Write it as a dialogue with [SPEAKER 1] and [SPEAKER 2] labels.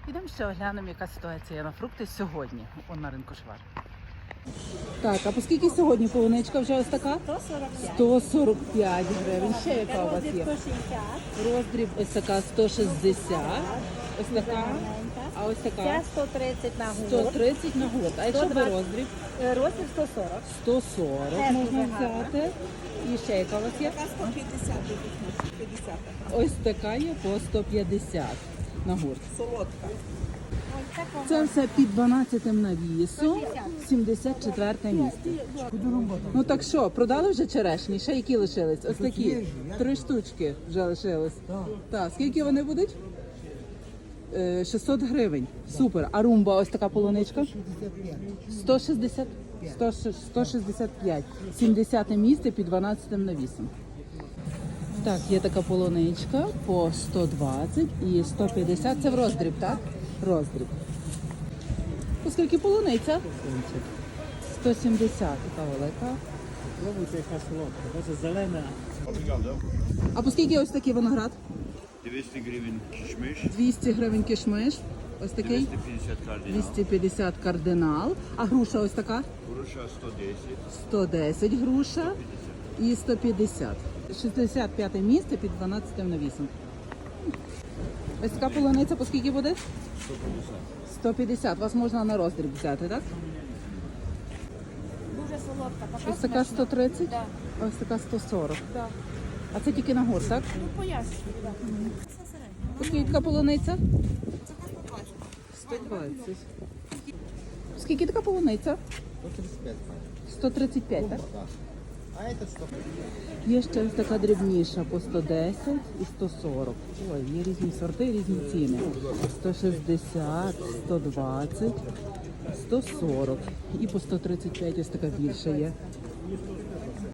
[SPEAKER 1] Ідемо ще оглянемо, яка ситуація на фрукти сьогодні на ринку Швар.
[SPEAKER 2] Так, а по скільки сьогодні полуничка вже ось така?
[SPEAKER 3] 145.
[SPEAKER 2] 145 гривень. Ще яка у вас
[SPEAKER 3] Роздріб
[SPEAKER 2] є?
[SPEAKER 3] 160.
[SPEAKER 2] Роздріб ось така 160. Ось така. А ось
[SPEAKER 3] Ця
[SPEAKER 2] така
[SPEAKER 3] 130 на гурт.
[SPEAKER 2] 130 на год. А якщо би
[SPEAKER 3] 120.
[SPEAKER 2] роздріб?
[SPEAKER 3] Роздріб 140.
[SPEAKER 2] 140
[SPEAKER 3] Теж
[SPEAKER 2] можна
[SPEAKER 3] дуже гарна.
[SPEAKER 2] взяти. І ще яка у вас є?
[SPEAKER 4] 150 50.
[SPEAKER 2] Ось така є по 150 на гурт.
[SPEAKER 4] Солодка.
[SPEAKER 2] Це все під 12 навісом, 74 місце. Ну так що, продали вже черешні? Ще які лишились? Ось такі. 3 штучки вже лишились. Так, скільки вони будуть? 600 гривень. Супер. А румба ось така полуничка? 160. 165. 70 місце під 12 навісом. Так, є така полуничка по 120 і 150. Це в роздріб, так? Роздріб. Оскільки полуниця? 170, така велика.
[SPEAKER 5] Пробуйте, яка солодка, бачите, зелена.
[SPEAKER 2] А по скільки ось такий виноград?
[SPEAKER 6] 200 гривень кишмиш,
[SPEAKER 2] 200 гривень кишмиш. Ось такий
[SPEAKER 6] 250 кардинал,
[SPEAKER 2] 250 кардинал. А груша ось така?
[SPEAKER 6] груша 110,
[SPEAKER 2] 110 груша і 150. 65 місце під 12 навісом. Ось така полуниця по скільки буде? 150. Вас можна на роздріб взяти, так?
[SPEAKER 3] Дуже солодка.
[SPEAKER 2] Ось така 130,
[SPEAKER 3] Да.
[SPEAKER 2] а ось така 140.
[SPEAKER 3] Да.
[SPEAKER 2] А це тільки на гурт, так?
[SPEAKER 3] Ну, пояснюю. Да.
[SPEAKER 2] Скільки така полуниця? 120. Скільки така полуниця? 135, так?
[SPEAKER 5] А это что?
[SPEAKER 2] Є ще ось така дрібніша по 110 і 140. Ой, є різні сорти, різні ціни. 160, 120, 140 і по 135 ось така більша є.